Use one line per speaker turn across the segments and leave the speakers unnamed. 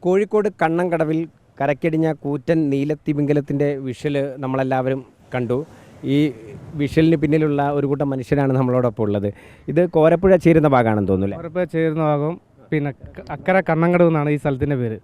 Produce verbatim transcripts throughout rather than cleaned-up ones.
കോഴിക്കോട് കണ്ണങ്കടവിൽ കരക്കടിഞ്ഞ കൂറ്റൻ നീലത്തിമിംഗലത്തിൻ്റെ വിഷ്വൽ നമ്മളെല്ലാവരും കണ്ടു. ഈ വിഷ്വലിന് പിന്നിലുള്ള ഒരു കൂട്ടം മനുഷ്യരാണ് നമ്മളോടൊപ്പം ഉള്ളത്. ഇത് കോരപ്പുഴ ചേരുന്ന ഭാഗമാണെന്ന് തോന്നുന്നു.
കോരപ്പുഴ ചേരുന്ന ഭാഗം പിന്നെ അക്കരെ കണ്ണങ്കടവ് എന്നാണ് ഈ സ്ഥലത്തിൻ്റെ പേര്.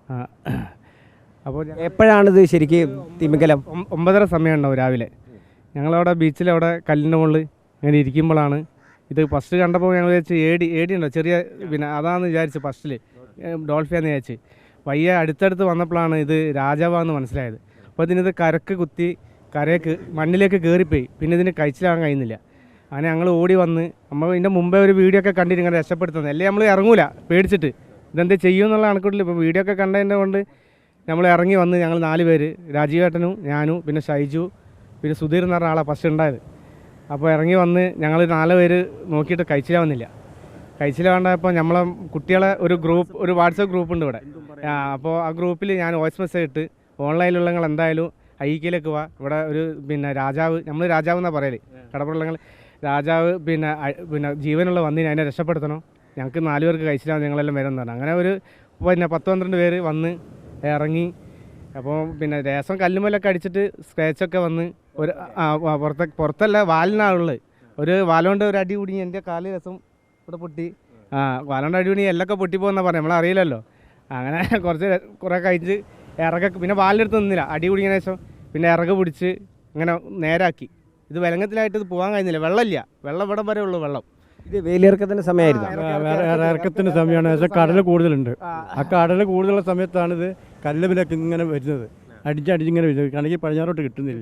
അപ്പോൾ
എപ്പോഴാണിത് ശരിക്കും തിമിംഗലം?
ഒമ്പതര സമയം ഉണ്ടാവും രാവിലെ. ഞങ്ങളവിടെ ബീച്ചിലവിടെ കല്ലിൻ്റെ മുകളിൽ ഇങ്ങനെ ഇരിക്കുമ്പോഴാണ് ഇത് ഫസ്റ്റ് കണ്ടപ്പോൾ ഞങ്ങൾ വിചാരിച്ച് ഏടി ഏടി ഉണ്ടോ ചെറിയ, പിന്നെ അതാണെന്ന് വിചാരിച്ചു ഫസ്റ്റിൽ ഡോൾഫിയാന്ന് വിചാരിച്ച്. വയ്യ അടുത്തടുത്ത് വന്നപ്പോഴാണ് ഇത് രാജാവാന്ന് മനസ്സിലായത്. അപ്പോൾ ഇതിനിത് കരക്ക് കുത്തി കരയ്ക്ക് മണ്ണിലേക്ക് കയറിപ്പോയി. പിന്നെ ഇതിന് കഴിച്ചിലാകാൻ കഴിയുന്നില്ല. അങ്ങനെ ഞങ്ങൾ ഓടി വന്ന് നമ്മൾ ഇതിൻ്റെ മുമ്പേ ഒരു വീഡിയോ ഒക്കെ കണ്ടിട്ട് ഇങ്ങനെ രക്ഷപ്പെടുത്തുന്നത് അല്ലേ, നമ്മൾ ഇറങ്ങൂല പേടിച്ചിട്ട് ഇതെന്ത് ചെയ്യും എന്നുള്ള കണക്കൂട്ടിൽ. ഇപ്പോൾ വീഡിയോ ഒക്കെ കണ്ടതിൻ്റെ കൊണ്ട് നമ്മൾ ഇറങ്ങി വന്ന് ഞങ്ങൾ നാല് പേര്, രാജീവേട്ടനും ഞാനും പിന്നെ ഷൈജു പിന്നെ സുധീർ എന്ന് പറഞ്ഞ ആളാണ് ഫസ്റ്റ് ഉണ്ടായത്. അപ്പോൾ ഇറങ്ങി വന്ന് ഞങ്ങൾ നാല് പേര് നോക്കിയിട്ട് കഴിച്ചിലാവുന്നില്ല. കഴിച്ചിലാവേണ്ടപ്പോൾ നമ്മളെ കുട്ടികളെ ഒരു ഗ്രൂപ്പ് ഒരു വാട്സപ്പ് ഗ്രൂപ്പ് ഉണ്ട് ഇവിടെ. അപ്പോൾ ആ ഗ്രൂപ്പിൽ ഞാൻ വോയിസ് മെസ്സേജ് ഇട്ട് ഓൺലൈനിലുള്ള നിങ്ങൾ എന്തായാലും ഐക്യയിലേക്ക് പോവാ, ഇവിടെ ഒരു പിന്നെ രാജാവ്, നമ്മൾ രാജാവ് എന്നാണ് പറയല് കടപ്പുറങ്ങൾ, രാജാവ് പിന്നെ പിന്നെ ജീവനുള്ള വന്നിന് അതിനെ രക്ഷപ്പെടുത്തണം, ഞങ്ങൾക്ക് നാല് പേർക്ക് കഴിച്ചിലാവും, ഞങ്ങളെല്ലാം വരുന്നതാണ്. അങ്ങനെ ഒരു പിന്നെ പത്ത് പന്ത്രണ്ട് പേര് വന്ന് ഇറങ്ങി. അപ്പോൾ പിന്നെ രസം കല്ലുമല്ലൊക്കെ അടിച്ചിട്ട് സ്ക്രാച്ചൊക്കെ വന്ന് ഒരു പുറത്തെ പുറത്തല്ല വാലിനാളുള്ളത് ഒരു വാലുകൊണ്ട് ഒരു അടി കുടുങ്ങി എൻ്റെ കാല് രസം ഇവിടെ പൊട്ടി. ആ വാലുകൊണ്ട് അടി കുടുങ്ങി എല്ലൊക്കെ പൊട്ടിപ്പോന്നാ പറയാം, നമ്മളറിയില്ലല്ലോ. അങ്ങനെ കുറച്ച് കുറേ കഴിച്ച് ഇറക പിന്നെ വാലിനെടുത്ത് നിന്നില്ല, അടി കുടുങ്ങിയ ശേഷം പിന്നെ ഇറക പിടിച്ച് അങ്ങനെ നേരാക്കി. ഇത് വിലങ്ങത്തിലായിട്ട് ഇത് പോകാൻ കഴിയുന്നില്ല, വെള്ളമില്ല, വെള്ളം ഇവിടെ വരെ ഉള്ളൂ വെള്ളം.
ഇത് വേലിയിറക്കത്തിൻ്റെ സമയമായിരുന്നു.
ഇറക്കത്തിൻ്റെ സമയമാണ്. പക്ഷേ കടൽ കൂടുതലുണ്ട്. ആ കടൽ കൂടുതലുള്ള സമയത്താണ് ഇത് കല്ലുമിലൊക്കെ ഇങ്ങനെ വരുന്നത്, അടിച്ചടിച്ചിങ്ങനെ വരുന്നത്. കണക്ക് പടിഞ്ഞാറോട്ട് കിട്ടുന്നില്ല.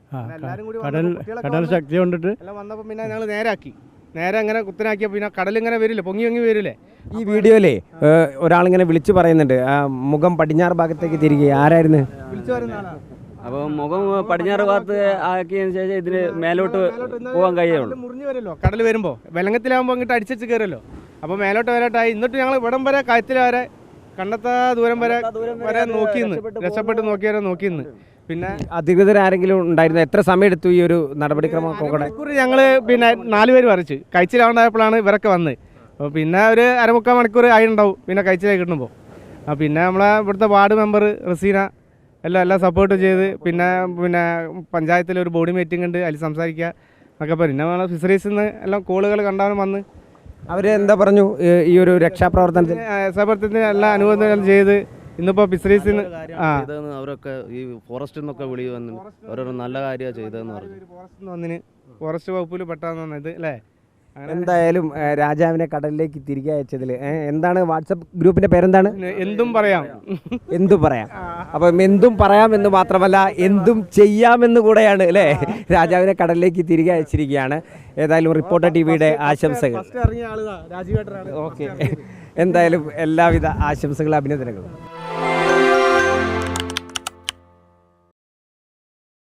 കടൽ കടൽ ശക്തി കൊണ്ടിട്ട്
വന്നപ്പോൾ പിന്നെ ഞങ്ങൾ നേരാക്കി, നേരെ അങ്ങനെ കുത്തനാക്കിയ പിന്നെ കടലിങ്ങനെ വരില്ലേ, പൊങ്ങി പൊങ്ങി വരില്ലേ.
ഈ വീഡിയോയിലേ ഒരാളിങ്ങനെ വിളിച്ചു പറയുന്നുണ്ട്, ആ മുഖം പടിഞ്ഞാറ് ഭാഗത്തേക്ക് തിരികെ. ആരായിരുന്നു
വിളിച്ചു പറയുന്ന ആളാണ്?
അപ്പോൾ മുഖം പടിഞ്ഞാറ് ഭാഗത്ത് ആക്കിയതിന് ശേഷം ഇതിന് മേലോട്ട് പോകാൻ കഴിയുള്ളൂ.
മുറിഞ്ഞു വരുമല്ലോ കടൽ വരുമ്പോൾ, വെള്ളത്തിലാകുമ്പോൾ അങ്ങോട്ട് അടിച്ചു കയറുമല്ലോ. അപ്പോൾ മേലോട്ട് വരാട്ടായി. എന്നിട്ട് ഞങ്ങൾ ഇവിടം വരെ കയത്തിൽ വരെ കണ്ടെത്താ ദൂരം വരെ വരെ നോക്കിന്ന് രക്ഷപ്പെട്ട് നോക്കിയവരെ നോക്കിന്ന്. പിന്നെ
അധികൃതരാരെങ്കിലും ഉണ്ടായിരുന്നു? എത്ര സമയം എടുത്തു ഈ ഒരു നടപടിക്രമം?
ഞങ്ങൾ പിന്നെ നാല് പേര് വരച്ച് കഴിച്ചിലാണ്ടായപ്പോഴാണ് ഇവരൊക്കെ വന്നത്. അപ്പോൾ പിന്നെ ഒരു അരമുക്കാൽ മണിക്കൂർ ആയി ഉണ്ടാവും പിന്നെ കഴിച്ചിലേക്ക് കിട്ടുമ്പോൾ. ആ പിന്നെ നമ്മളെ ഇവിടുത്തെ വാർഡ് മെമ്പർ റസീന എല്ലാം എല്ലാം സപ്പോർട്ട് ചെയ്ത്, പിന്നെ പിന്നെ പഞ്ചായത്തിൽ ഒരു ബോഡി മീറ്റിംഗ് ഉണ്ട്, അതിൽ സംസാരിക്കുക എന്നൊക്കെ പറയും. പിന്നെ നമ്മളെ ഫിഷറീസിൽ നിന്ന് എല്ലാം കോളുകൾ കണ്ടാലും വന്ന്
അവർ എന്താ പറഞ്ഞു ഈ ഒരു രക്ഷാപ്രവർത്തനത്തിന്
രക്ഷാപ്രവർത്തനത്തിന് എല്ലാ അനുബന്ധം ചെയ്ത് ഇന്നിപ്പോൾ ഫിഷറീസിൽ നിന്ന് ആ
അവരൊക്കെ ഈ ഫോറസ്റ്റിൽ നിന്നൊക്കെ വിളി വന്നു ഓരോരോ നല്ല കാര്യമാണ് ചെയ്തതെന്ന് പറഞ്ഞു.
ഫോറസ്റ്റ് വന്നിന് ഫോറസ്റ്റ് വകുപ്പിൽ പെട്ടാന്ന് വന്നത് അല്ലേ.
എന്തായാലും രാജാവിനെ കടലിലേക്ക് തിരികെ അയച്ചതിൽ എന്താണ് വാട്സപ്പ് ഗ്രൂപ്പിന്റെ പേരെന്താണ്?
എന്തും പറയാം,
എന്തും പറയാം. അപ്പം എന്തും പറയാം എന്ന് മാത്രമല്ല എന്തും ചെയ്യാമെന്ന് കൂടെയാണ് അല്ലേ രാജാവിനെ കടലിലേക്ക് തിരികെ അയച്ചിരിക്കുകയാണ്. ഏതായാലും റിപ്പോർട്ടർ ടി വിയുടെ ആശംസകൾ.
ഓക്കെ,
എന്തായാലും എല്ലാവിധ ആശംസകളും അഭിനന്ദനങ്ങളും.